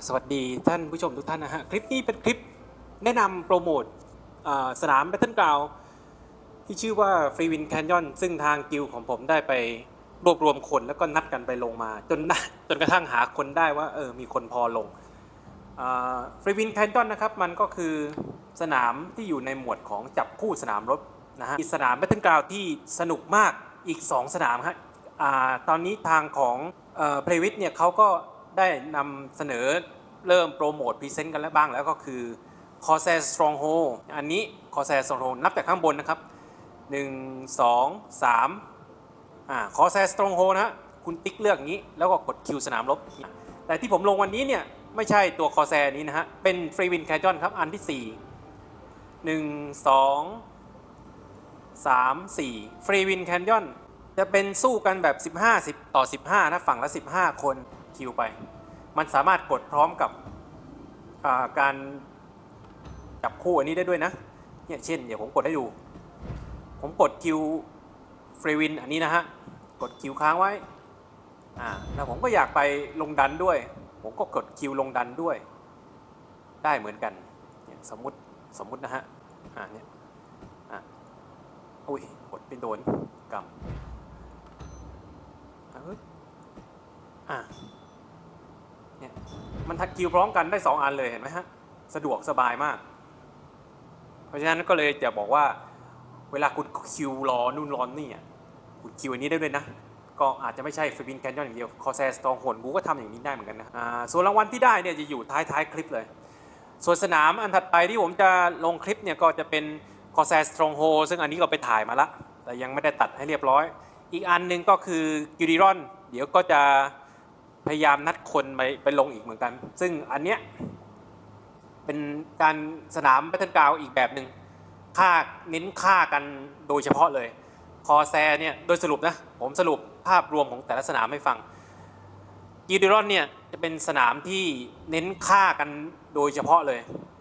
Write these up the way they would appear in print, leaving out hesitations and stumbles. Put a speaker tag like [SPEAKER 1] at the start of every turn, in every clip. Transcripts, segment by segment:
[SPEAKER 1] สวัสดีท่านผู้ชมทุกท่านนะฮะคลิปนี้เป็นคลิปแนะนำโปรโมทสนาม Battleground ที่ชื่อว่า Free Wind Canyon ซึ่งทางกิลด์ของผมได้ไปรวบรวมคนแล้วก็นัดกันไปลงมาจนกระทั่งหาคนได้ว่ามีคนพอลงFree Wind Canyon นะครับมันก็คือสนามที่อยู่ในหมวดของจับคู่สนามรบนะฮะสนาม Battleground ที่สนุกมากอีก2สนามฮะตอนนี้ทางของPlaywit เนี่ยเขาก็ได้นำเสนอเริ่มโปรโมทพรีเซนต์กันแล้วบ้างแล้วก็คือ Corsair Stronghold อันนี้ Corsair Stronghold นับจากข้างบนนะครับ1 2 3Corsair Stronghold นะฮะคุณติ๊กเลือกอย่างนี้แล้วก็กดคิวสนามรบแต่ที่ผมลงวันนี้เนี่ยไม่ใช่ตัว Corsair นี้นะฮะเป็น Free Wind Canyon ครับอันที่4 1 2 3 4 Free Wind Canyon จะเป็นสู้กันแบบ15 10 ต่อ 15นะฝั่งละ15 คนคิวไปมันสามารถกดพร้อมกับการจับคู่อันนี้ได้ด้วยนะเนี่ยเช่นเดี๋ยวผมกดให้ดูผมกดคิวเฟรวินอันนี้นะฮะกดคิวค้างไว้แล้วผมก็อยากไปลงดันด้วยผมก็กดคิวลงดันด้วยได้เหมือนกันเนี่ยสมมุตินะฮะเนี่ยอุ้ยกดไปโดนกำเนี่ยมันทักคิวพร้อมกันได้2อันเลยเห็นไหมฮะสะดวกสบายมากเพราะฉะนั้นก็เลยจะบอกว่าเวลาคุณคิวรอนู่นรอนี่คุณคิวอันนี้ได้ด้วยนะก็อาจจะไม่ใช่Free Wind Canyonอย่างเดียว Corsair Stronghold กูก็ทำอย่างนี้ได้เหมือนกันนะส่วนรางวัลที่ได้เนี่ยจะอยู่ท้ายคลิปเลยส่วนสนามอันถัดไปที่ผมจะลงคลิปเนี่ยก็จะเป็น Corsair Stronghold ซึ่งอันนี้ก็ไปถ่ายมาละแต่ยังไม่ได้ตัดให้เรียบร้อยอีกอันนึงก็คือ Gudiron เดี๋ยวก็จะพยายามนัดคนไปลงอีกเหมือนกันซึ่งอันเนี้ยเป็นการสนาม Battleground อีกแบบหนึ่งเน้นฆ่ากันโดยเฉพาะเลยคอแซเนี่ยโดยสรุปนะผมสรุปภาพรวมของแต่ละสนามให้ฟังกิลดิรอนเนี่ยจะเป็นสนามที่เน้นฆ่ากันโดยเฉพาะเลย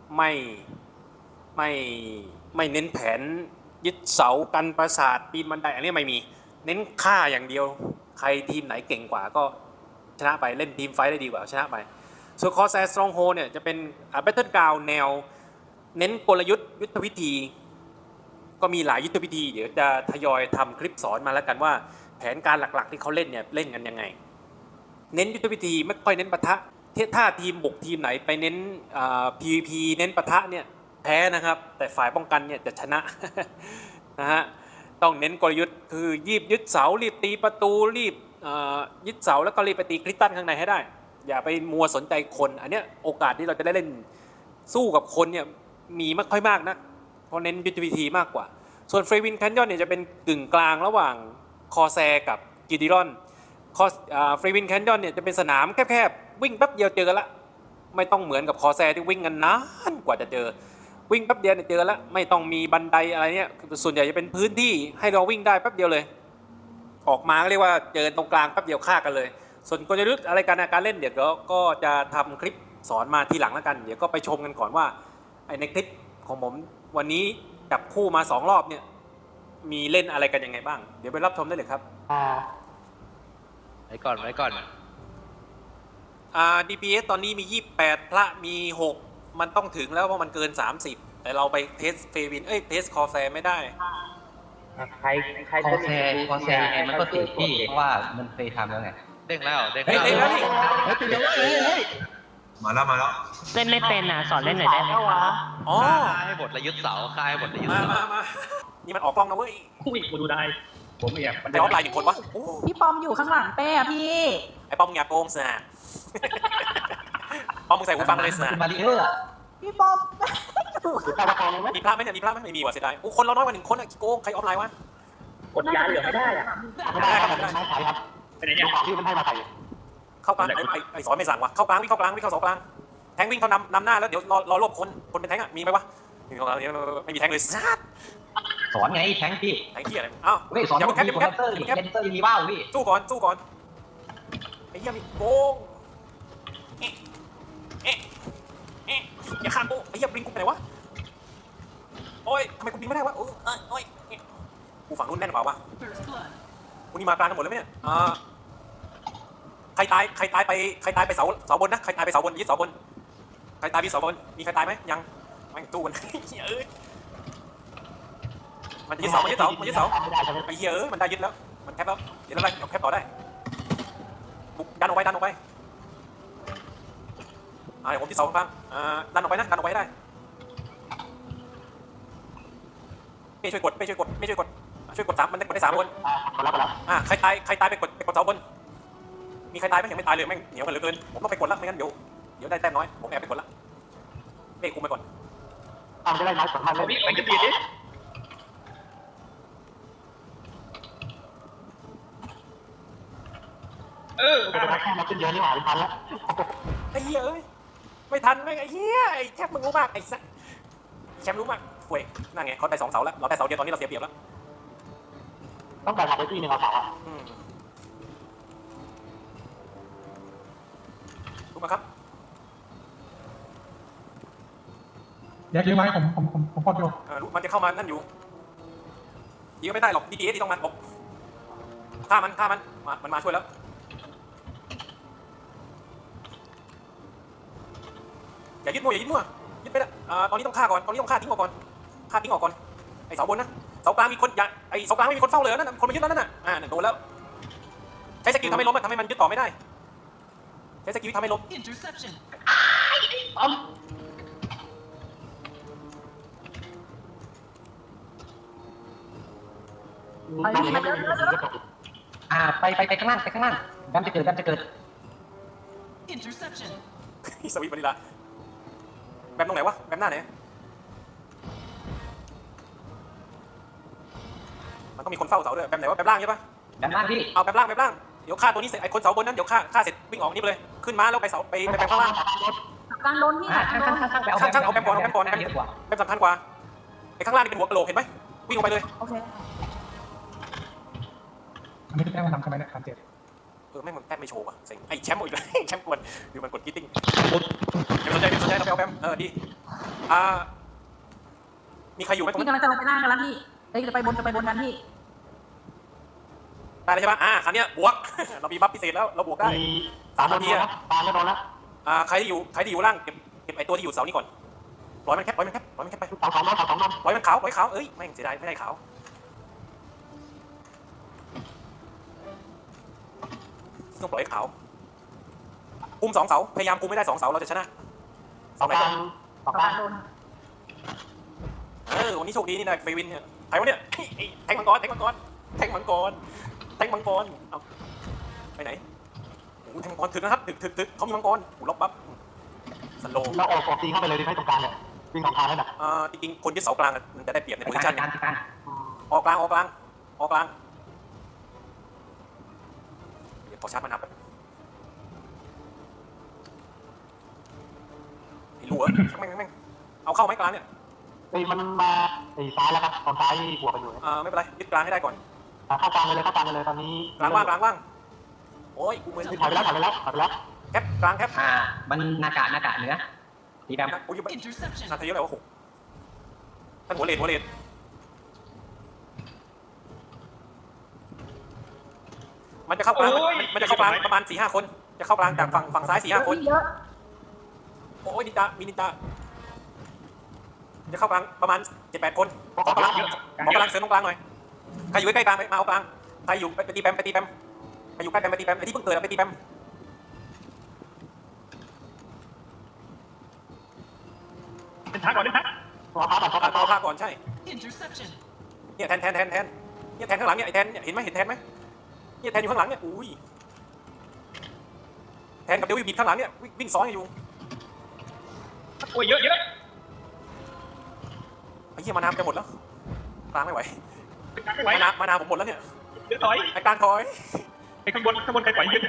[SPEAKER 1] ไม่เน้นแผนยึดเสากันปราสาทปีนบันไดอันนี้ไม่มีเน้นฆ่าอย่างเดียวใครทีมไหนเก่งกว่าก็ชนะไปเล่นทีมไฟท์ได้ดีกว่าชนะไปส่วนคอแซสตรองโฮเนี่ยจะเป็นBattleground แนวเน้นกลยุทธ์ยุทธวิธีก็มีหลายยุทธวิธีเดี๋ยวจะทยอยทำคลิปสอนมาแล้วกันว่าแผนการหลักๆที่เขาเล่นเนี่ยเล่นกันยังไงเน้นยุทธวิธีไม่ค่อยเน้นปะทะถ้าทีมบุกทีมไหนไปเน้นPVP เน้นปะทะเนี่ยแพ้นะครับแต่ฝ่ายป้องกันเนี่ยจะชนะ นะฮะต้องเน้นกลยุทธ์คือรีบยึดเสารีบตีประตูรีบยึดเสาแล้วก็รีบไปตีคริสตัลข้างในให้ได้อย่าไปมัวสนใจคนอันเนี้ยโอกาสที่เราจะได้เล่นสู้กับคนเนี่ยมีไม่ค่อยมากนะเพราะเน้นยุทธวิธีมากกว่าส่วนFree Wind Canyonเนี่ยจะเป็นกึ่งกลางระหว่างคอแซกับกิลดิรอนFree Wind Canyonเนี่ยจะเป็นสนามแคบๆวิ่งแป๊บเดียวเจอละไม่ต้องเหมือนกับคอแซที่วิ่งกันนานกว่าจะเจอวิ่งแป๊บเดียวเนี่ยเจอแล้วไม่ต้องมีบันไดอะไรเนี่ยส่วนใหญ่จะเป็นพื้นที่ให้เราวิ่งได้แป๊บเดียวเลยออกมาก็เรียกว่าเจอตรงกลางแป๊บเดียวฆ่ากันเลยส่วนกลยุทธ์อะไรการเล่นเดี๋ยวก็จะทำคลิปสอนมาทีหลังแล้วกันเดี๋ยวก็ไปชมกันก่อนว่าในคลิปของผมวันนี้จับคู่มา2รอบเนี่ยมีเล่นอะไรกันยังไงบ้างเดี๋ยวไปรับชมได้เลยครับ
[SPEAKER 2] ไว้ก่อน
[SPEAKER 1] DPS ตอนนี้มี28พระมี6มันต้องถึงแล้วเพราะมันเกิน30แต่เราไปเทสเฟวินเทสคอแซไม่ได้
[SPEAKER 3] ใคร
[SPEAKER 4] คอแซยังไงมันก็ติดพี่เพราะว่ามันเคยทำแล้วไง
[SPEAKER 2] เด้งแล้ว
[SPEAKER 1] นี่
[SPEAKER 3] มาแล้ว
[SPEAKER 5] เล่นไม่เป็นสอนเล่นหน่อยได้ไหมคะ
[SPEAKER 1] อ๋อ
[SPEAKER 2] ฆ่าให้บทระยึดเสาฆ่าให้บทระยึดเสา
[SPEAKER 1] มานี่มันออกกล้องนะเว้ย
[SPEAKER 3] อุ้ยกูดูได้ผมไม่อยาก
[SPEAKER 1] แต่ออฟไลน์1 คนวะ
[SPEAKER 5] พี่ปอมอยู่ข้างหลังเป้อะพี่
[SPEAKER 1] ไอ้ปอมอย่าโกงสินะปอมมึงใส่หูฟังเลยสินะ
[SPEAKER 4] มาริเออร์
[SPEAKER 5] พี่ปอม
[SPEAKER 1] มีพลาดไหมเนี่ยมีพลาดไหมไม่มีว่ะเสียดายคนเราน้อยกว่า1 คนกี่โกงใครออฟไลน์วะ
[SPEAKER 3] กดย้ายเหลือไม่ได้
[SPEAKER 1] ไม่ได้ครับผมได้
[SPEAKER 3] ครับไปไหนเนี่ยที่มันให้มาใส่
[SPEAKER 1] เข้ากลางไอ้สอนไม่สั่งว่ะเข้ากลางวิ่งเข้าเสากลางแทงวิ่งเขานำหน้าแล้วเดี๋ยวรอรวบคนเป็นแทงมีไหมวะไม่มีแทงเลย
[SPEAKER 4] สอนไงแทงพี่
[SPEAKER 1] แทงที่อะไรอ้าว
[SPEAKER 4] สอนพี่คอนเตอร์ดิคอนเตอร์ยังมีว่าวพี่
[SPEAKER 1] สู้ก่อนไอ้เหี้ยมีโกงอย่าฆ่ากูไอ้เหี้ยบลิงกูไปไหนวะโอ้ยทำไมกูบินไม่ได้วะโอ้ยกูฝั่งนู้นแน่นกว่าวะกูนี่มากลางกันหมดเลยไหมเนี่ยใครตายไปเสาบนนะใครตายไปเสาบนยึดเสาบนใครตายยึดเสาบนมีใครตายไหมยังไม่ตู้มันเอ้ยมันยึดเสาไอ้เหี้ยมันได้ยึดแล้วมันแคปแล้วเดี๋ยวอะไรแคปต่อได้บุกดันออกไปเดี๋ยวผมที่เสาข้างดันออกไปนะดันออกไปได้เป้ช่วยกดช่วยกด3มันได้กดได้3คนใครตายไปกดเสาบนมีใครตายไหมยังไม่ตายเลยแม่งเหนียวกันเหลือเกินผมต้องไปกดละไม่งั้นเดี๋ยวได้แต้มน้อยผมแอบไปกดละเป้คุมไปก่อน
[SPEAKER 3] จะได้น้อยกว่ามันเลยไปจะตีดิแค่มาขึ้นเยอะนี่หว่าไม่ทันแล้ว
[SPEAKER 1] ไอ้เหี้ยเอ้ยไม่ทันแม่งไอ้เหี้ยไอ้แคปมึงรู้มากไอ้สัสแชมป์รู้มากป่วยนั่นไงเขาได้2 เสาแล้วเราได้เสาเดียวตอนนี้เราเสียเปรียบแล้ว
[SPEAKER 3] ต้องการหาได้ที่1เอาเสา
[SPEAKER 1] รู้ไหมครับ
[SPEAKER 6] แยกเยอะไหมผมพอดอยู่
[SPEAKER 1] มันจะเข้ามานั่นอยู่ยิงก็ไม่ได้หรอก DTS ที่ต้องมันบอกฆ่ามันมาช่วยแล้วอย่ายึดมั่วยึดไปละตอนนี้ต้องฆ่าก่อนทิ้งออกก่อนไอ้เสาบนนะเสากลางมีคนอย่าไอ้เสากลางไม่มีคนเฝ้าเลยนั่นคนมายึดแล้วนั่นน่ะโดนแล้วใช้สกิลทำให้ล้มทำให้มันยึดต่อไม่ได้ใช้สกิลทำให้ล้ม
[SPEAKER 4] ไปข้างล่างแบมจะเกิด
[SPEAKER 1] สวิตช์วานิลาแบมตรงไหนวะแบมหน้าไหนมันต้องมีคนเฝ้าเสาด้วยแบมไหนวะแบมล่างใช่ปะ
[SPEAKER 4] แบมล่างพี่
[SPEAKER 1] เอาแบมล่างเดี๋ยวฆ่าตัวนี้เสร็จไอ้คนเสาบนนั้นเดี๋ยวฆ่าเสร็จวิ่งออกนี่ไปเลยขึ้นมาแล้วไปเสาไปแบมข้างล่าง
[SPEAKER 5] กลางโดนพี่
[SPEAKER 1] ช่างเอาแบมก่อนแบมสำคัญกว่าไอ้ข้างล่างนี่เป็นหัวกะโหลกเห็นไหมวิ่งออกไปเลย
[SPEAKER 5] โอเค
[SPEAKER 6] อันนี้คือแต้มมันทำใช่ไหมเนี่ย37
[SPEAKER 1] แม่งมันแต้มไม่โชว์ว่ะเซ็งไอ้แชมป์อีกเลยแชมป์กวนดูมันกดกิ๊ตติ้งไม่สนใจเราไปเอาแบมดีมีใครอยู่ไหมตรง
[SPEAKER 5] พี่
[SPEAKER 1] นี้
[SPEAKER 5] กำลังจะลงไปล่างกันแล้วพี่จะไปบนกันพี่
[SPEAKER 1] ได้เลยใช่ปะครั้งนี้บวกเรามีบัฟพิเศษแล้วเราบวกได้3 นาที
[SPEAKER 3] ตามไม่โดนแล้ว
[SPEAKER 1] ใครที่อยู่ล่างเก็บไอ้ตัวที่อยู่เสานี้ก่อนปล่อยมันแคปไปปล่อยมันขาวเอ้ยแม่งเสียดายไม่ได้ขาวต้องปล่อยขาวคุม2 เสาพยายามคุมไม่ได้2 เสาเราจะชนะเสาไหนก่อนวันนี้โชคดีนี่นะเฟวินเนี่ยใครวะเนี่ยแทงมังกรเอาไปไหนโอ้แทงมังกรถึกนะครับถึกเขามีมังกรล็อกบัฟสโล
[SPEAKER 3] เราออกตีเข้าไปเลยดีไหมตรงกลางเนี่ยวิ่งออกทางแล้วนะ
[SPEAKER 1] จริงๆคนยึดเสากลางมันจะได้เปรียบในโพซิชั่นออกกลางเดี๋ยวขอชาร์จมันนับไอ้หลัวแม่งเอาเข้าไหมกลางเนี่ย
[SPEAKER 3] มันมาซ้ายแล้วครับตอนซ้ายหัวไปอยู่
[SPEAKER 1] ไม่เป็นไรยึดกลางให้ได้ก่อน
[SPEAKER 3] เข้ากลางเลยตอนนี้
[SPEAKER 1] กลางว่างโอ้ยกูเหมือน
[SPEAKER 3] ถอยไปแล้ว
[SPEAKER 1] แคปกลางแคป
[SPEAKER 4] มันนากะเหนือตีแบม
[SPEAKER 1] โอ้ยนาทีเยอะเลยว่า6ท่านหัวเลดมันจะเข้ากลางประมาณ 4-5 คนจะเข้ากลางจากฝั่งซ้าย 4-5 คนโอ้ยมีนินจาจะเข้ากลางประมาณ 7-8 คนขอกำลังเสริมตรงกลางหน่อยใครอยู่ใกล้กลางมาเอากลางใครอยู่ไปตีแบมใครอยู่ใกล้แบมไปตีแบมไอ้ที่เพิ่งเกิดไปตีแบม
[SPEAKER 3] เป็นทักก่อน
[SPEAKER 1] เอาผ้าก่อนใช่เนี่ยแทนเนี่ยแทนข้างหลังเนี่ยไอ้แทนเห็นไหมแทนไหมเนี่ยแทนอยู่ข้างหลังเนี่ยอุ้ยแทนกับเดวิดบิดข้างหลังเนี่ยวิ่งซ้อนอยู่
[SPEAKER 3] โอ้ยเยอะ
[SPEAKER 1] ไอ้เหี้ยมาน้ำจะหมดแล้วกลางไม่ไหวมาน้ำผมหมดแล้วเนี่ย
[SPEAKER 3] ถอย
[SPEAKER 1] ไอ้กลางถอย
[SPEAKER 3] ไอ้ข้างบนใครไหวเยอะ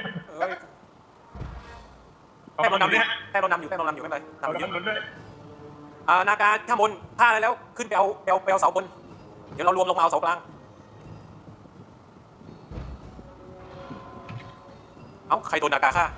[SPEAKER 1] แต้มเรานำอยู่ไม่เป็นไรนำเยอะนาการข้างบนท่าอะไรแล้วขึ้นไปเอาเสาบนเดี๋ยวเรารวมลงมาเอาเสากลางใครโดนนาการฆ่า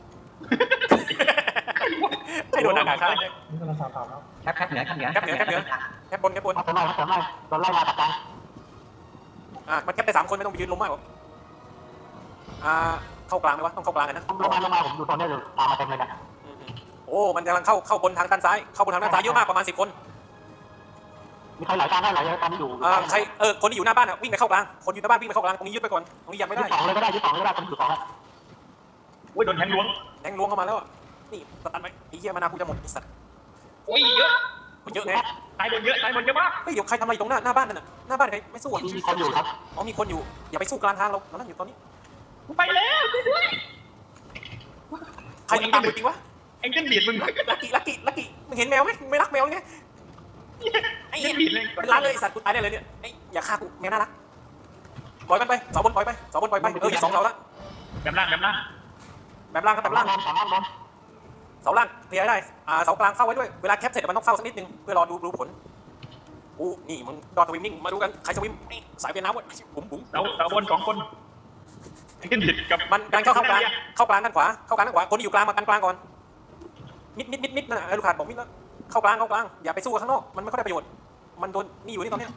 [SPEAKER 1] ใครโดนนาการฆ่า
[SPEAKER 6] นี่กำลังสาวแล้ว
[SPEAKER 4] แคปเหนือ
[SPEAKER 1] แคปบน
[SPEAKER 3] โดนไล่มาตัดกัน
[SPEAKER 1] มันแคปไป3 คนไม่ต้องไปยืนล้มมากหรอกเข้ากลางไหมวะต้องเข้ากลางกันนะ
[SPEAKER 3] ลงมาผมอยู่ตอนนี้เลยตามมาเต็มเลยนะ
[SPEAKER 1] โอ้มันกำลังเข้าบนทางด้านซ้ายเข้าบนทางด้านซ้ายเยอะมากประมาณ10 คน
[SPEAKER 3] มีใครหลายการได้หลายการที่อยู่
[SPEAKER 1] ใครคนที่อยู่หน้าบ้านวิ่งไปเข้ากลางคนอยู่หน้าบ้านวิ่งไปเข้ากลางตรงนี้ยึดไปก่อนตรงนี้ยังไม่ได้
[SPEAKER 3] ยึดสองเลยก็ได้ยึดสองเลยก็ได้ผมอยู่สองแล้ว
[SPEAKER 7] โอ้ยโดนแทงล้วง
[SPEAKER 1] แทงล้วงเข้ามาแล้วนี่ตันไหมไอ้เหี้ยมานากูจะหมดไอ้สัตว์
[SPEAKER 7] โอ้ยเยอะ
[SPEAKER 1] เยอะไง
[SPEAKER 7] ตายโดนเยอะตายโดนเยอะมาก
[SPEAKER 1] เฮ้ยเดี๋ยวใครทำอะไรตรงหน้าบ้านนั่นน่ะหน้าบ้านใครไม่สู้อ่ะ
[SPEAKER 3] มีคนอยู่ครับ
[SPEAKER 1] อ๋อมีคนอยู่อย่าไปสู้กลางทางเรานั่นอยู่ตอนนี้
[SPEAKER 7] กูไปแล้วช่วยด้วย
[SPEAKER 1] ใครยิงตามจริงวะ
[SPEAKER 7] ไอ้เจ้าบีดมึง
[SPEAKER 1] ลักกี้มึงเห็นแมวไหมมึงไม่รักแมวไงไอ้
[SPEAKER 7] เจ้า
[SPEAKER 1] เหี้ย
[SPEAKER 7] บีดเลย
[SPEAKER 1] เป็นร้านเลยไอ้สัตว์กูตายได้เลยเนี่ยไอ้อย่าฆ่ากูแมวน่ารักปล่อยมันไปเสาบนปล่อยไปเสาบนปล่อยไปอย่า2 เสาละ
[SPEAKER 7] แบบล่างแบบล่าง
[SPEAKER 1] แบบล่างครับแบบล่าง
[SPEAKER 3] สามล่าง
[SPEAKER 1] เสาล่างเคลียร์ได้เสากลางเฝ้าไว้ด้วยเวลาแคปเสร็จมันต้องเฝ้าสักนิดนึงเพื่อรอดูผลนี่มึงดอทสวิมมิ่งมาดูกันใครสวิมสายเป็นน้ำวะบุ๋ม
[SPEAKER 7] เสาบน2 คนไอ้เจ้าบีดกับ
[SPEAKER 1] มันกลางเข้ากลางด้านขวาคนที่อยู่กลางมากันกลางก่อนมิดนั่นลูกขาดบอกมิดแล้วเข้ากลางอย่าไปสู้กับข้างนอกมันไม่ค่อยได้ประโยชน์มันโดนนี่อยู่นี่ตอนเนี้ย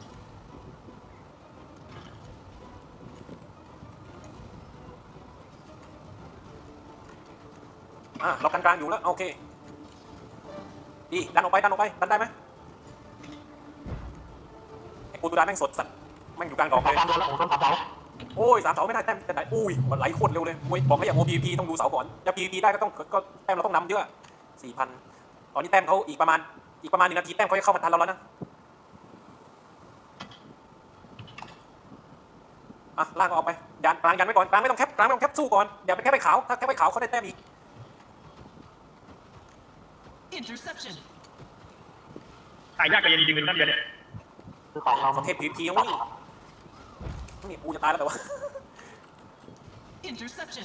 [SPEAKER 1] เรากันกลางอยู่แล้วโอเคดีดันออกไปดันได้ไหมไอ้ปูตูดานแม่งสดสัตว์แม่งอยู่กลางดอกเลย
[SPEAKER 3] การโดนแล้วผมโดนสามเสา
[SPEAKER 1] โอ้ย3 เสาไม่ได้แต้มแต่ไหนอุ้ยมันไหลโคตรเร็วเลยมวยบอกให้อย่างโม PVP ต้องดูเสาก่อนจะ PVP ได้ก็แต้มเราต้องนำเยอะ 4,000 ตอนนี้แต้มเขาอีกประมาณ1 นาทีแต้มเขาจะเข้ามาทันเราแล้วนะล่างก็ออกไปยันกลางยันไว้ก่อนกลางไม่ต้องแคปสู้ก่อนอย่าไปแคปไปขาวถ้าแคปไปขาวเขาได้แต้มอีก
[SPEAKER 8] Interception.
[SPEAKER 7] ตายยากกับเย็นจริงเป็นนั่นเดียวเนี่ย
[SPEAKER 3] คือของเรา
[SPEAKER 1] ประเทศ PVP ยังไม่นี่กูจะตายแล้วแต่ว่า
[SPEAKER 8] Interception.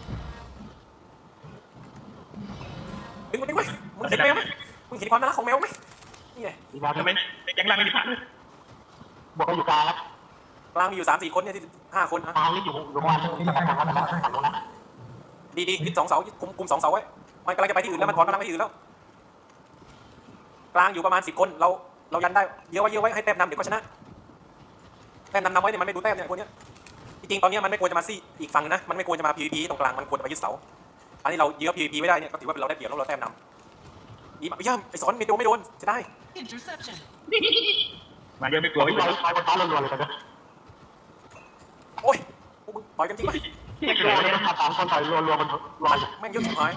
[SPEAKER 1] ดึงมันไว้มึงเห็นแมวไหมมึงเห็นความน่ารักของแมวไหมนี่ไง
[SPEAKER 3] อีกแล้ว
[SPEAKER 7] ทำไมยังล่างไม่มีพลาดเลย
[SPEAKER 3] บวกกันอยู่กลางครับ
[SPEAKER 1] กลางมีอยู่3-4 คนเนี่ยที่5 คนนะ
[SPEAKER 3] กลางนี่อยู่ประมาณฝั่งนู้นนะ
[SPEAKER 1] ดียึด2 เสาคุม2 เสาไว้มันกำลังจะไปที่อื่นแล้วมันถอนกำลังไปที่อื่นแล้วกลางอยู่ประมาณ10 คนเรายันได้เยอะไว้ให้แต้มนำเดี๋ยวก็ชนะแต้มนำไว้เนี่ยมันไม่ดูแต้มเนี่ยคนเนี้ยจริงๆตอนนี้มันไม่ควรจะมาซี่อีกฝั่งนะมันไม่ควรจะมา PVP ตรงกลางมันควรจะมายึดเสาอันนี้เราเยอะ PVP ไม่ได้เนี่ยก็ถือว่าเราได้เปรียบแล้วเราแต้มนำดีมากย่ำไอ้สอนไม่โดนจะได้
[SPEAKER 8] Interception.
[SPEAKER 7] มาเยอะไม่กลัว
[SPEAKER 3] เรา
[SPEAKER 7] ไม่กลัว
[SPEAKER 3] ใช้บนฟ้ารัวๆเลยกันนะ
[SPEAKER 1] โอ้ยพวกมึงต่อยกันจริงไหม
[SPEAKER 7] ที่เกิ
[SPEAKER 3] รั
[SPEAKER 7] ด
[SPEAKER 3] ว
[SPEAKER 7] เนี่ย
[SPEAKER 3] เลยสามคนต่อยรัวๆมันลอย
[SPEAKER 1] แม่งเยอะชิบหาย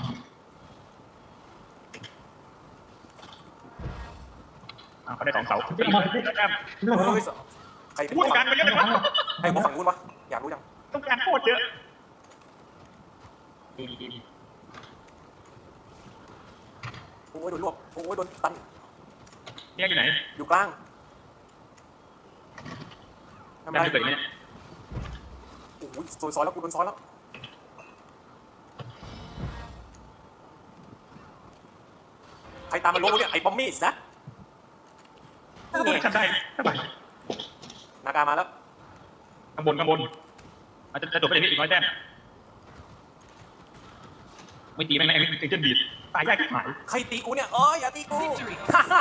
[SPEAKER 7] เขาได้2 เสา
[SPEAKER 1] เฮ้ยใครเป็น
[SPEAKER 7] พูดกันไปเยอะเลยวะ
[SPEAKER 1] ไอ้พวกฝั่งนู้นวะอยากรู้ยัง
[SPEAKER 7] ต้องการโคตรเยอะ
[SPEAKER 1] โอ้ยโดนรวบโอ้ยโดนตัน
[SPEAKER 7] เนี่ยอยู่ไหน
[SPEAKER 1] อยู่กลางทำ
[SPEAKER 7] แต้
[SPEAKER 1] ไร
[SPEAKER 7] มจะเกิดเนี่ย
[SPEAKER 1] โอ้ยซอยแล้วกูโดนซอยแล้วใครตามมันลงเนี่ยไอ้บอมมี่นะ
[SPEAKER 7] นี่ทำได้สบาย
[SPEAKER 1] นากามาแล้ว
[SPEAKER 7] ข้างบนอาจจะจบไปได้อีก100 แต้มไม่ตีแม่งไอ้เจ้าบีดตายยากที่หาย
[SPEAKER 1] ใครตีกูเนี่ยอย่าตีกู
[SPEAKER 8] Victory.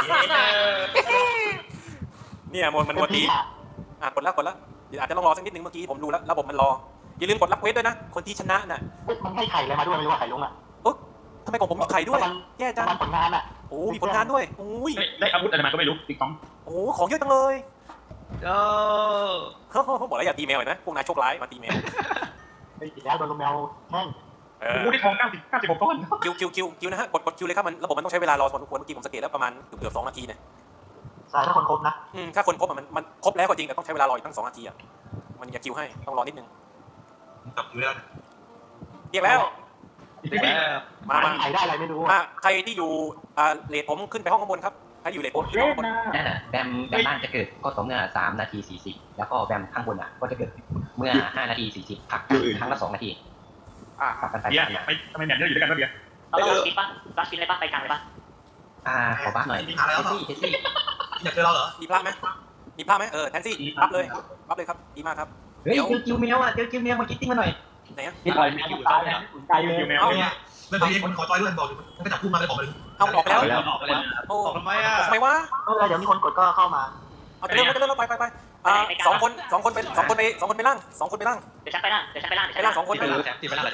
[SPEAKER 1] เนี่ยมันตีกดแล้วเดี๋ยวอาจจะต้องรอสักนิดนึงเมื่อกี้ผมดูแล้วระบบมันรออย่าลืมกดรับเควสด้วยนะคนที่ชนะน่ะ
[SPEAKER 3] มันให้ไข่อะไรมาด้วยไม่รู้ว่าไข่ลงอ่ะ
[SPEAKER 1] ทำไมของผมมีไข่ด้วยแย่จัง
[SPEAKER 3] มันผลงานอ่ะ
[SPEAKER 1] โอ้มีผลงานด้วยโอ้ย
[SPEAKER 7] ได้อาวุธอะไรมาก็ไม่รู้ติ๊กต้อง
[SPEAKER 1] โอ้ของเยอะจังเลย
[SPEAKER 2] โอ้
[SPEAKER 1] บอกแล้วอย่าตีแมวเห็นไหมพวกนายโชคร้ายมาตีแมว
[SPEAKER 3] ไอ้อีกแล้วโดนลงแมวแห้ง
[SPEAKER 7] กูได้ทอง96 ก้อน
[SPEAKER 1] คิวนะฮะกดคิวเลยครับมันระบบมันต้องใช้เวลารอพอสมควรเมื่อกี้ผมสังเกตแล้วประมาณเกือบ2 นาทีเนี่ย
[SPEAKER 3] ใช่ถ้าคนครบนะ
[SPEAKER 1] ถ้าคนครบมันครบแล้วก็จริงแต่ต้องใช้เวลารออีกตั้ง2 นาทีอ่ะมันอย่าคิวให้ต้องรอนิดนึง
[SPEAKER 3] จับอยู่แล้ว
[SPEAKER 1] เรียกแล้ว มา
[SPEAKER 3] ไข่ได้อะไรไม่รู้
[SPEAKER 1] ใครที่อยู่เลทผมขึ้นไปห้องข้างบนครับใครอยู่เลทผมขึ้นห้องข้างบน
[SPEAKER 4] นั่นน่ะแบมล่างจะเกิดก็ต่อเมื่อ3 นาที 40แล้วก็แบมข้างบนก็จะเกิดเมื่อ5 นาที 40พักกันครั้งละ2 นาทีพักกันไป
[SPEAKER 7] เบียร์
[SPEAKER 4] มา
[SPEAKER 7] ไปทำไมเนี่ยเยอะอยู่ด้วยกันก็เบียร์
[SPEAKER 9] เราต้องคิดป่ะรักคิดอะไรป่ะไปกลางเลยป่ะ
[SPEAKER 4] ขอบัฟหน่อยเทสซี่
[SPEAKER 3] อยากเจอเราเหรอ
[SPEAKER 1] มีพระไหมแทนซี่รับเลยครับดีมากครับ
[SPEAKER 4] เฮ้ยเจอคิวเมียวเจอคิวเมียวมาคิดติ้งมาหน่อย
[SPEAKER 1] ไหนอ่ะ
[SPEAKER 4] พี่ปล่อยคิวตายแล้ว
[SPEAKER 7] ใจคิวแมว
[SPEAKER 3] เมื่อกี้คนขอจอยด้วยบอกอยู่มันก็จับคู่มาเลยบอกเลย
[SPEAKER 1] เอาออกไปแล้ว
[SPEAKER 2] ออกไปแล้ว
[SPEAKER 1] โอ้
[SPEAKER 2] ออกทำไมอ่ะ
[SPEAKER 1] ทำไมวะ
[SPEAKER 3] เดี๋ยวมีคนกดก็เข้ามา
[SPEAKER 1] เอาไปเริ่มไป2 คนไปล่าง2 คนไปล่าง
[SPEAKER 9] เดี๋ยวฉันไปล่าง
[SPEAKER 1] ไปล่าง2 คน
[SPEAKER 2] ที่เป็นแสงที่ไปล่างเหรอจ๊ะ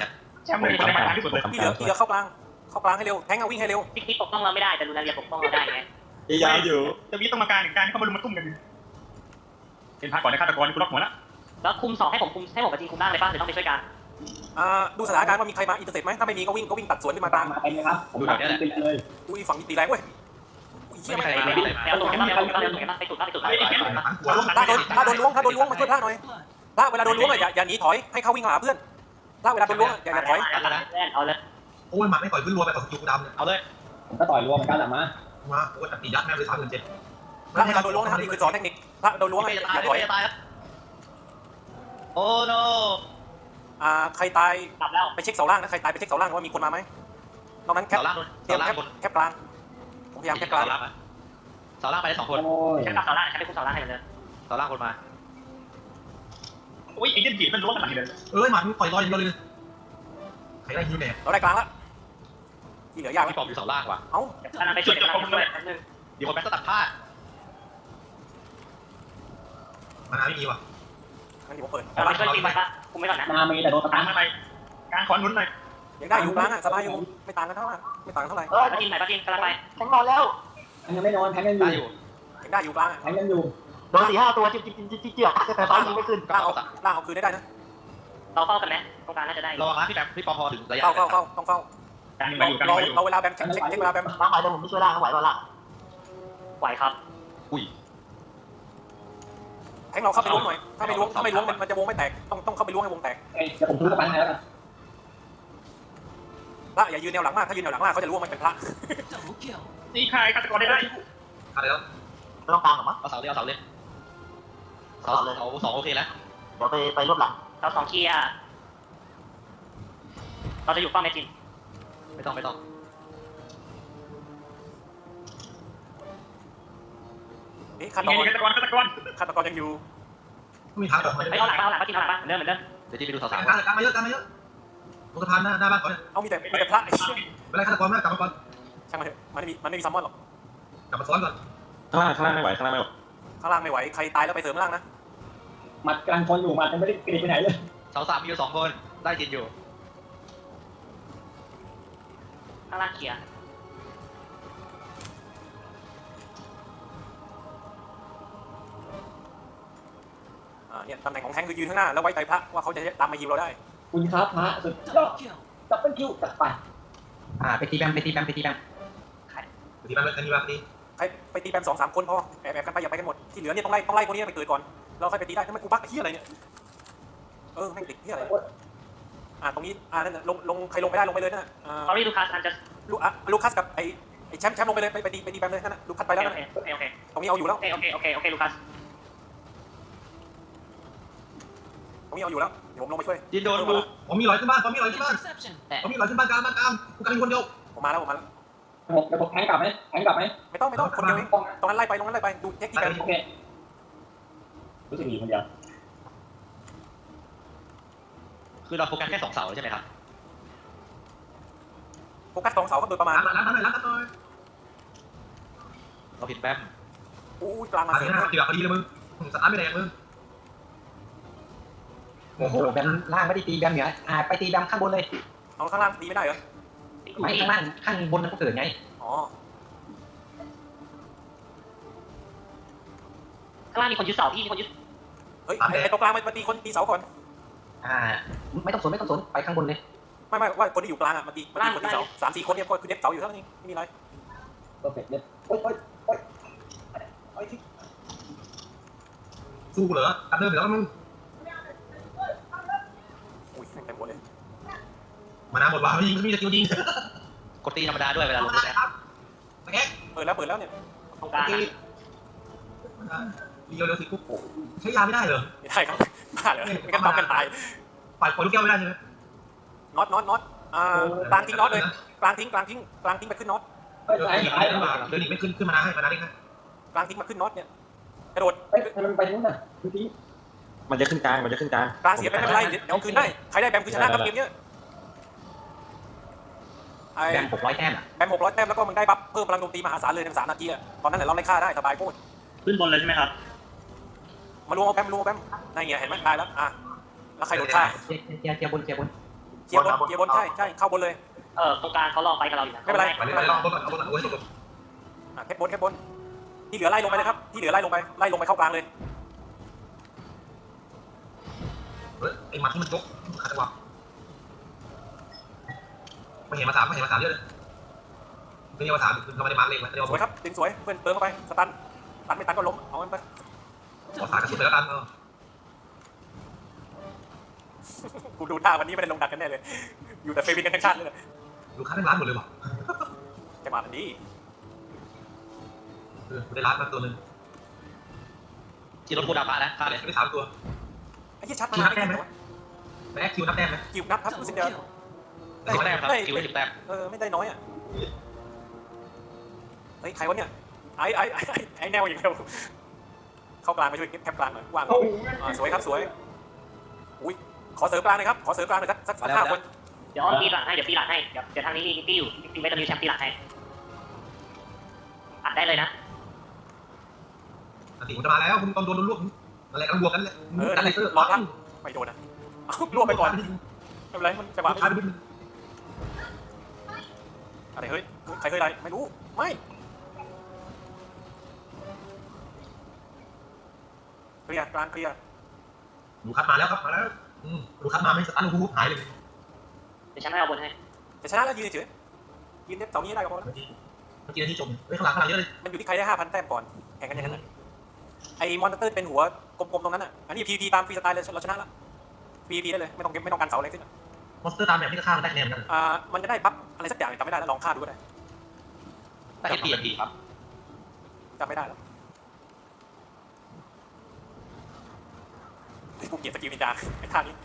[SPEAKER 7] แชมป์เลยคนในมากลางที่สุดเลย
[SPEAKER 1] ที่เหลือเข้ากลางให้เร็วแทงเอาวิ่งให้เร็ว
[SPEAKER 9] พี่ปกป้องเราไม่ได้แต่ลูนาเรียปกป้องเราได้ไง
[SPEAKER 7] พยายามอยู่จะมีต้องมาการหนึ่งการเข้ามาลุมมาตุ้มกันเป็นพาก่อนในฆาตกรกูล็อกหัวละ
[SPEAKER 9] แล้วคุม2ให้ผมกับทีมคุมล่างเลยป่ะหรือต้องไปช่วยกัน
[SPEAKER 1] ดูสถานการณ์ว่ามีใครมาอินเตอร์เซ็ตไหมถ้าไม่มีก็วิ่งตัดสวนขึ้นมากลาง
[SPEAKER 4] มาเต็มเลยครับผม
[SPEAKER 2] ดูแถวเนี้ยแหละ
[SPEAKER 4] เลย
[SPEAKER 1] อุ้ยฝั่งนี้ตีแรงเว้ยอุ้ยเชี่ย
[SPEAKER 2] ไม่
[SPEAKER 1] ไม่
[SPEAKER 2] มีใครมา
[SPEAKER 9] แล้วตุ่นกันบ้างแล้วตุ่นกันบ้างไปตุ่นไป
[SPEAKER 1] ถ้าโดนล้วงมาช่วยพระหน่อยพระเวลาโดนล้วงอย่าหนีถอยให้เข้าวิ่งมาหาเพื่อนพระเวลาโดนล้วงอย่าถอย
[SPEAKER 9] เอาเลย
[SPEAKER 3] โอ้ยหมัดไม่ต่อยขึ้นรัวไปต่อสกิลดำเนี่ย
[SPEAKER 2] เอาเลย
[SPEAKER 4] ผมก็ต่อยรวมเหมือนกันแหละมา
[SPEAKER 3] มาโอ้ยตียัดแม่งเลย37,000
[SPEAKER 1] พระเวลาโดนล้วงนะครับนี่คือสอนเทคนิคพระโดนล้วง
[SPEAKER 2] ไม่
[SPEAKER 1] อย่า
[SPEAKER 2] จะตาย
[SPEAKER 1] ถอย
[SPEAKER 2] ไม่จะตายครับโอ้โน
[SPEAKER 1] ใครตาย
[SPEAKER 9] กลับแล้ว
[SPEAKER 1] ไปเช็คเสาล่างนะใครตายไปเช็คเสาล่างว่ามีคนมาไหมนอกนั้นแคป
[SPEAKER 2] เสาล่าง
[SPEAKER 1] เตรียม
[SPEAKER 2] เสาล่างบน
[SPEAKER 1] แคปกลางผมพยายามแคปกลาง
[SPEAKER 2] เสาล่างไปได้2 คน
[SPEAKER 4] โอ้ย
[SPEAKER 9] ใช้กับเสาล่างใช้ไปคุมเสาล่างให้เลย
[SPEAKER 2] เสาล่างคนมา
[SPEAKER 7] อุ้ยไอ้เจนบีมันล้วงขนาดนี้เลย
[SPEAKER 3] เอ้ยหมัดมันต่อยลอยอย่างเดียวเลยใครได้ฮิวเนี่ย
[SPEAKER 1] เราได้กลางละที่เหลือยาก
[SPEAKER 2] พี่ปอมอยู่เสาล่างว่ะ
[SPEAKER 1] เอ้าก
[SPEAKER 9] ำลังไปช่วยกำลังไปช่วยนึง
[SPEAKER 2] เดี๋ยวคนแบงค์ตัดผ้า
[SPEAKER 3] มานาไม่มีว่ะ
[SPEAKER 1] งั้นเดี๋ยวผมเปิด
[SPEAKER 9] กำลังไปช่วยทีมไปป่ะคุมไม่ก่อนนะ
[SPEAKER 4] นามีแต่โดนส
[SPEAKER 7] ตา
[SPEAKER 4] ตาม ร์
[SPEAKER 7] มาไปการขอนนุนหน่อย
[SPEAKER 1] ยังได้อยู่กลางสบายอยู่ไม่ต่างกันเท่าไหร่ไม่ต่างเท่าไหร่
[SPEAKER 9] ป้าทีมไหนป้าทีมกำลังไป
[SPEAKER 5] แทงนอนแล้ว
[SPEAKER 4] ยังไม่นอนแทงกันอ
[SPEAKER 2] ได้
[SPEAKER 4] ยู่
[SPEAKER 2] อยู่
[SPEAKER 1] ยังได้อยู่กลาง
[SPEAKER 4] แทงกันอยู่
[SPEAKER 5] โดน4-5 ตัวจิ๊บแต่ฟ้ายิงไม่ขึ้น
[SPEAKER 1] ล่างเอาคืนได้นะ
[SPEAKER 9] เราเฝ้ากันไหมตรงกลางน่าจะได้
[SPEAKER 2] ระวังนะพี่แบงค์พี่ปอพอถึงระยะ
[SPEAKER 1] ต้องเฝ้า
[SPEAKER 7] การยิงมาอยู่การยิงมาอยู่
[SPEAKER 1] เราเวลาแบมเช็คเวลาแบม
[SPEAKER 5] ล่างไหวแต่ผมไม่ช่วยล่างไหวล่ะ
[SPEAKER 9] ไหวครับ
[SPEAKER 2] อุ้ย
[SPEAKER 1] แทงเราเข้าไปล้วงหน่อยถ้าไม่ล้วงมันจะวงไม่แตกต้องเข้าไปล้วงให้วงแตก
[SPEAKER 4] เดี๋ยวผมทุบกระปันให้แล้วกัน
[SPEAKER 1] พระอย่ายืนแนวหลังมากถ้ายืนแนวหลังมากเขาจะล้วงมันเป็นพระ
[SPEAKER 8] Double kill.
[SPEAKER 7] ตีใครฆาตกรได้
[SPEAKER 3] อะไรแล้ว
[SPEAKER 5] ไม่ต้องกลางหรอมั้ง
[SPEAKER 2] เอาเสาเลยเอาเสาเลยเสา2โอเคแล้ว
[SPEAKER 5] เดี๋ยวไปรวบหลัง
[SPEAKER 9] เรา2เคลียร์เราจะอยู่ป้อมแมจิน
[SPEAKER 2] ไม่ต้อง
[SPEAKER 1] ฆาต
[SPEAKER 7] ยิงฆาตกร
[SPEAKER 1] ยังอยู่
[SPEAKER 3] ไม่มีทางหรอก
[SPEAKER 9] ไปเอาหลังป้าทีมหลังป้าเหมือนเดิม
[SPEAKER 2] เดี๋ยวที่ไปดูสาว
[SPEAKER 3] การมาเยอะลงสะพานหน้าบ้านก่อน
[SPEAKER 1] เอามีแต่พระไอ้เชี่ย
[SPEAKER 3] เป็นไรฆาตกรมากกลับมาก่อน
[SPEAKER 1] ช่างมันเถอะมันไม่มีซัมมอนหรอก
[SPEAKER 3] กลับมาซ้อนก่อน
[SPEAKER 10] ข้างล่างไม่ไหวข้างล่างไม่ไหว
[SPEAKER 1] ข้างล่างไม่ไหวใครตายแล้วไปเสริมล่างนะ
[SPEAKER 4] หมัดกลางคนอยู่หมัดยังไม่ได้กรีดไปไหนเลย
[SPEAKER 2] สาว3มีอยู่2 คนได้จินอยู่
[SPEAKER 9] ข้างล่างเคลียร์
[SPEAKER 1] เนี่ยตำแหน่งของแทงคือยืนข้างหน้าแล้วไว้ใจพระว่าเขาจะตามมายิงเราได้
[SPEAKER 4] คุณครับพระสุดยอ
[SPEAKER 8] Double
[SPEAKER 4] ด
[SPEAKER 8] kill.
[SPEAKER 4] ดับเบิลคิวจัดไป
[SPEAKER 5] ไปตีแบม
[SPEAKER 3] ตีบ้านเลยตีบ้านตี
[SPEAKER 1] ใครไปตีแบม2-3 คนพอแอบกันไปอย่าไปกันหมดที่เหลือเนี่ยต้องไล่คนนี้ไปเกิดก่อนเราค่อยไปตีได้ทำไมกูบักที่อะไรเนี่ยแม่งติดที่อะไรตรงนี้นั่นลงใครลงไปได้ลงไปเลยนั่น
[SPEAKER 9] ตอนนี้ลูคัสอันจะ
[SPEAKER 1] ลูคัสกับไอ้แชมป์ลงไปเลยไปตีแบมเลยนั่นลูคัสไปแล้ว
[SPEAKER 9] โอเค
[SPEAKER 1] ตรงนี้เอาอยู่แล้ว
[SPEAKER 9] โอเคลูคัส
[SPEAKER 1] ตรงนี้เอาอยู่แล้วเดี๋ยวผมลงไปช่วย
[SPEAKER 2] จินโดนบุก
[SPEAKER 3] ผมมีรอยขึ้นบ้าน
[SPEAKER 8] Interception.
[SPEAKER 3] ผมมีรอยขึ้นบ้านกลางกูกำลังคนเดียว
[SPEAKER 1] ผมมาแล้ว
[SPEAKER 4] เดี๋ยวผมแทงกลับไหม
[SPEAKER 1] ไม่ต้องคนเดียวเองตรงนั้นไล่ไปดูเทคนิคกัน
[SPEAKER 4] โอเครู้สึกดีคนเดียว
[SPEAKER 2] คือเราโฟกัสแค่2 เสาใช่ไหมครับ
[SPEAKER 1] โฟกัส2 เสาก็โดยประมาณ
[SPEAKER 3] ร้านหน่อย
[SPEAKER 2] เราผิดแบม
[SPEAKER 1] กลางมา
[SPEAKER 3] ร้าน
[SPEAKER 1] เสริม
[SPEAKER 3] ตีแบบพอดีเลยมึงสตาร์ทไม่แรงมึง
[SPEAKER 4] โอ้โหแบมล่างไม่ได้ตีแบมเหนือไปตีแบมข้างบนเลย
[SPEAKER 1] เอาข้างล่างตีไม่ได้เหรอ
[SPEAKER 4] ไม่ข้างล่างข้างบนมันก็เกิดไง
[SPEAKER 1] อ๋อ
[SPEAKER 9] ข้างล่างมีคนยึดเสาพี่มีคนยึด
[SPEAKER 1] เฮ้ยไอ้ตรงกลางมาตีคนตีเสาก่อน
[SPEAKER 4] ไม่ต้องสนไปข้างบนเลย
[SPEAKER 1] ไม่ว่าคนที่อยู่กลางมาตีคนที่เสา3-4 คนเนี่ยก็คือเด็บเสาอยู่เท่านั้นเองไม่มีอะไร
[SPEAKER 4] ก็เสร็จเลยโอ๊ย
[SPEAKER 3] สู้เหรอตัดเดินเหรอมึง
[SPEAKER 1] อุ้ยเต็มหมดเลย
[SPEAKER 3] มานาหมดว่ะไม่ยิงไม่จะยิง
[SPEAKER 2] กดตีธรรมดาด้วยเวลาลงแบม
[SPEAKER 3] ตะแก
[SPEAKER 1] เปิดแล้วเนี่ย
[SPEAKER 9] ตรงกลาง
[SPEAKER 3] ตีเร็วสิกุ๊กใช้ยาไม่ได้เหรอ
[SPEAKER 1] ไม่ได้ครับบ้าเหรอไม่กันปั๊มกันตาย
[SPEAKER 3] ฝ่ายคนลูกแก้วไม่ได้ใช่ไหม
[SPEAKER 1] น็อตกลางทิ้งน็อตเลยกลางทิ้งไปขึ้นน็อต
[SPEAKER 3] เดินอีกไม่ขึ้นมานาให้มานาได้ไง
[SPEAKER 1] กลางทิ้งมาขึ้นน็อตเนี่ยกระโดด
[SPEAKER 4] มันไปนู้นน่ะดูดิ
[SPEAKER 10] มันจะขึ้นกลาง
[SPEAKER 1] กลางเสียไปไม่เป็นไรเดี๋ยวคืนได้ใครได้แบมคือชนะครับเกมนี้
[SPEAKER 4] แบม600 แต้ม
[SPEAKER 1] แบม600 แต้มแล้วก็มึงได้บัฟเพิ่มพลังโจมตีมหาศาลเลยใน3 นาทีตอนนั้นแหละเราไล่ฆ่าได้สบายโคตร
[SPEAKER 7] ขึ้นบนเลยใช่ไหมครับ
[SPEAKER 1] มารวมเอาแบมนั่นไงเห็นไหมตายแล้วแล้วใครโดนฆ่า
[SPEAKER 4] เจียบน
[SPEAKER 1] เคลียร์บนใช่เข้าบนเลย
[SPEAKER 9] ตรงกลางเขาลองไปกับเราอยู่นะ
[SPEAKER 1] ไม่เป็นไร
[SPEAKER 2] ไปเลยลองบนก่อนบนก่อนโอ้ย
[SPEAKER 1] แค่บนที่เหลือไล่ลงไปเลยครับที่เหลือไล่ลงไปเข้ากลางเลย
[SPEAKER 2] ไอ้หมัดที่มันยกขาดจังหวะไม่เห็นมาถามเยอะเลยไม่เห็นมาถามเราไม่ได้มาเล่นไม่ได้
[SPEAKER 1] สวยครับดึงสวยเพื่อนเติมเข้าไปสตันไม่ตันก็ล้มเอามันไป
[SPEAKER 2] ขอสายกระสุนไปแล้วกัน
[SPEAKER 1] กูดูท่าวันนี้ไม่ได้ลงดักกันแน่เลยอยู่แต่เฟวินกันทั้งชาติเลย
[SPEAKER 2] ลูกค้าได้ร้านหมดเลยว่ะ
[SPEAKER 1] จะมาแบบนี้
[SPEAKER 2] ได้ร้านมาตัวนึงที่รถกูดับมาแล้วฆ่าเลยได้3ตัว
[SPEAKER 1] ไอ้ที่ชัดมา
[SPEAKER 2] นับแต้มไหมแม็กคิวนับแต้มไหม
[SPEAKER 1] กิวนับครับคุณสิเดียว
[SPEAKER 2] 10 แต้มครับคิว10 แต้ม
[SPEAKER 1] ไม่ได้น้อยอ่ะเฮ้ยใครวะเนี่ยไอ้แนวอย่างเดียวเข้ากลางมาช่วยแคปกลางหน่อยว่างสวยครับสวยอุ้ยขอเสริมกลางหน่อยครับขอเสริมกลางหน่อยสัก5 คน
[SPEAKER 9] เดี๋ยวตีหลังให้เดี๋ยวทางนี้มีตี้อยู่ตีไม่ต้องมีแชมป์ตีหลังให้อัดได้เลยนะ
[SPEAKER 2] ติมันจะมาแล้วคุณตอนโดนลวกอะไรกันบวกกันเลย
[SPEAKER 1] อะไรรอพักไม่โดนนะรวบไปก่อนไม่เป็นไรมันจะมาอะไรเฮ้ยใครเคยอะไรไม่รู้ไม่เคลียร์กลางเคลียร์
[SPEAKER 2] ลูกคัดมาแล้วครับมาแล้วลูกคัดมาไม่สตันลูกหายเลย
[SPEAKER 9] เดี๋ยวฉันให้เอาบนให้
[SPEAKER 1] จะชนะแล้วยืนเฉยยืนเสานี้ได้ก็พอแล้ว
[SPEAKER 2] เมื่อกี้ที่จมเฮ้ยข้างหลังเยอะเลย
[SPEAKER 1] มันอยู่ที่ใครได้ 5,000 แต้มก่อนแข่งกันอย่างนั้นไอ้มอนสเตอร์เป็นหัวกลมๆตรงนั้นอ่ะอันนี้ PVP ตามฟรีสไตล์เลยเราชนะแล้ว PVP ได้เลยไม่ต้องการเสาอะไรขึ้น
[SPEAKER 2] มอนสเตอร์ตามแบบนี้ก็ฆ่ามันได้คะแนนกัน
[SPEAKER 1] มันจะได้บัฟอะไรสักอย่างจำไม่ได้แล้วลองฆ่าดูก็ได้
[SPEAKER 2] ได้ทีครับ
[SPEAKER 1] จำไม่ได้แล้วกูเกลียดสกิลนินจาไอ้ท่านี้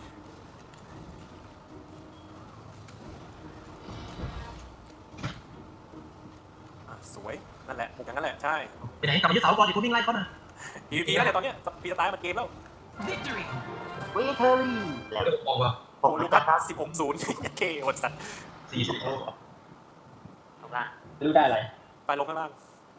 [SPEAKER 1] สวยนั่นแหละมุกอย่างนั้นแหละใช่
[SPEAKER 2] ไปไหนกลับมายึดเสาก่อนดิคุณวิ่งไล่เขาหน่อย
[SPEAKER 1] PVP แล้วเนี่ยตอนเนี้ยฟรีสไตล์มันเกมแล้ว
[SPEAKER 8] Victory.
[SPEAKER 5] วิเทอรี่แล้ว
[SPEAKER 2] บอกว่า
[SPEAKER 1] โอ้ลูกครับ16-0เคโหดสัตว์
[SPEAKER 2] 40
[SPEAKER 9] ตรงกลาง
[SPEAKER 10] ไม่รู้ได้อะไร
[SPEAKER 1] ไปลงข้างล่าง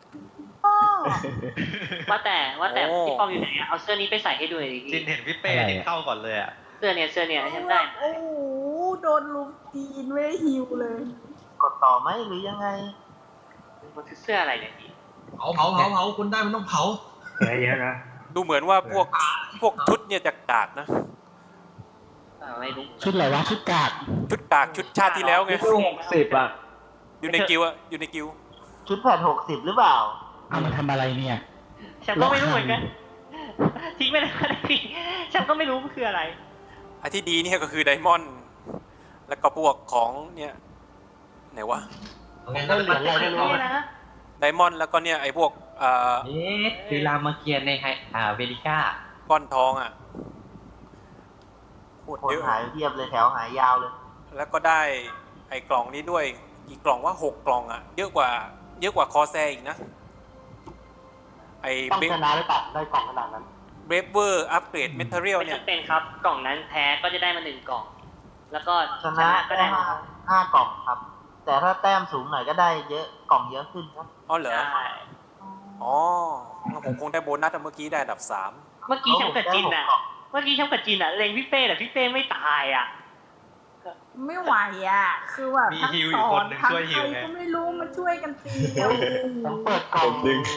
[SPEAKER 9] ว่าแต่พี่ป้อมอยู่ไหนเอาเสื้อนี้ไปใส่ให้ด้วย
[SPEAKER 2] จินเห็นพี่เป้จินเข้าก่อนเลยอ่ะ
[SPEAKER 9] เสื้อเนี่ยใช้ได้
[SPEAKER 11] โอ้โหโดนลุมจีนไม่ฮิวเลย
[SPEAKER 5] กดต่อไหมหรือยังไง
[SPEAKER 9] มันคือเสื้ออะไรเนี่ยพี่
[SPEAKER 2] เผาคุณได้มันต้องเผา
[SPEAKER 3] เยอะนะ
[SPEAKER 1] ดูเหมือนว่าพวกชุดเนี่ยจะกากนะ
[SPEAKER 9] ไม่รู้
[SPEAKER 6] ชุดอะไรวะชุดกาก
[SPEAKER 1] ชุดกากชุดชาติที่แล้วไง
[SPEAKER 10] 60อ่ะ
[SPEAKER 1] อยู่ในกิวอะอยู่ในกิว
[SPEAKER 5] ชุดแผ่น60หรือเปล่า
[SPEAKER 6] เอามาทำอะไรเนี่ย
[SPEAKER 9] ฉันก็ไม่รู้เหมือนกันทิ้งไปเลยก็ได้พี่ฉันก็ไม่รู้มันคืออะไร
[SPEAKER 1] ไอ้ที่ดีเนี่ยก็คือไดมอนด์แล้วก็พวกของเนี่ยไหนวะ
[SPEAKER 5] ได้เหรียญอะไรไม่รู้
[SPEAKER 9] นะ
[SPEAKER 1] ไดมอนด์แล้วก็เนี่ยไอ้พวก
[SPEAKER 4] คือรามเกียรติในเวลิก้า
[SPEAKER 1] ก้อนทองอ่ะโคตร
[SPEAKER 5] คน
[SPEAKER 1] เยอะ
[SPEAKER 5] หายเทียบเลยแถวหายยาวเลย
[SPEAKER 1] แล้วก็ได้ไอ้กล่องนี้ด้วยอีกกล่องว่า6 กล่องอ่ะเยอะกว่าคอแซอีกนะไอ้
[SPEAKER 3] ต้องชนะหรือเปล่าได้กล่องขนาดนั้น
[SPEAKER 1] เบรฟเวอร์อัปเกรดเมทัลเรียล
[SPEAKER 9] ไม่
[SPEAKER 1] เนี่ย
[SPEAKER 9] จำเป็นครับกล่องนั้นแพ้ก็จะได้มา1 กล่อง แล้วก็
[SPEAKER 5] ชนะ
[SPEAKER 9] ก็
[SPEAKER 5] ได้
[SPEAKER 9] ได้มา
[SPEAKER 5] 5 กล่องครับ แต่ถ้าแต้มสูงหน่อยก็ได้เยอะกล่องเยอะขึ้นครับ
[SPEAKER 1] อ๋อเหรอ
[SPEAKER 9] ใช่
[SPEAKER 1] อ๋อผมคงได้โบนัสเมื่อกี้ได้อันดับ
[SPEAKER 9] เมื่อกี้ฉันกับจินอ่ะเล็งพี่เป้แต่พี่เป้ไม่ตายอ่ะ
[SPEAKER 11] ไม่ไหวอ่ะ คือแบบ
[SPEAKER 2] มี
[SPEAKER 11] ทั้ง
[SPEAKER 2] ฮิว
[SPEAKER 11] ส
[SPEAKER 2] อีก
[SPEAKER 11] อ
[SPEAKER 2] คน
[SPEAKER 11] น
[SPEAKER 2] หนึ่ง
[SPEAKER 11] ทั้ง
[SPEAKER 2] ช่วย
[SPEAKER 11] ใค
[SPEAKER 2] ฮิ
[SPEAKER 11] ร
[SPEAKER 2] วไง
[SPEAKER 11] ก็ไม่รู้มาช่วยกันตี
[SPEAKER 3] ต้องเปิดกล่อง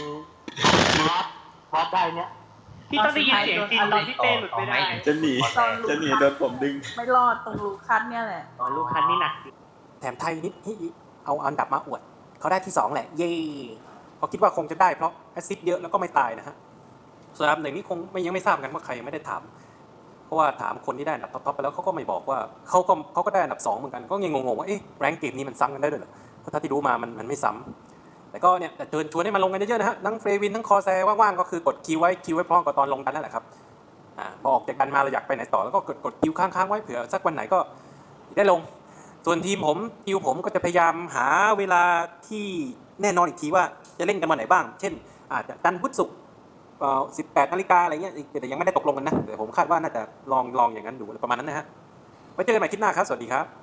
[SPEAKER 3] วัดได้เนี่ย
[SPEAKER 9] พี่ต้องได้ยินเสียงจินตอนพี่เป้หลุดไม่ได้
[SPEAKER 10] จะหนีโดนผมดึง
[SPEAKER 11] ไม่รอดตรงลูคัสเนี่ยแหละ
[SPEAKER 9] อ๋อลูกคันนี่หนัก
[SPEAKER 1] 3แถมไทยนิดเอาอันดับมาอวดเขาได้ที่ 2แหละเย่เขาคิดว่าคงจะได้เพราะแอสซิสต์เยอะแล้วก็ไม่ตายนะฮะส่วนอันดับ1นี่คงยังไม่ทราบกันว่าใครยังไม่ได้ถามเพราะว่าถามคนที่ได้อันดับท็อปไปแล้วเขาก็ไม่บอกว่าเขาก็ได้อันดับ2เหมือนกันก็ยังงงๆว่าเอ๊ะแรงเกมนี้มันซ้ำกันได้ด้วยเหรอเพราะถ้าที่รู้มามันไม่ซ้ำแต่ก็เนี่ยเชิญชวนให้มาลงกันเยอะๆนะฮะทั้งเฟรวินทั้งคอแซว่างๆก็คือกดคิวไว้พร้อมกับตอนลงกันนั่นแหละครับพอออกจากกันมาเราอยากไปไหนต่อแล้วก็กดคิวค้างๆไว้เผื่อสักวันไหนก็ได้ลงส่วนทีมผมก็จะพยายามหาเวลาที่แน่นอนอีกทีว่าจะเล่นกันวันไหนบ้างเช่นอาจจะจันทร์พุธศุกร์18 นาฬิกาอะไรเงี้ยแต่ยังไม่ได้ตกลงกันนะแต่ผมคาดว่าน่าจะลองอย่างนั้นดูประมาณนั้นนะฮะไว้เจอกันใหม่คลิปหน้าครับสวัสดีครับ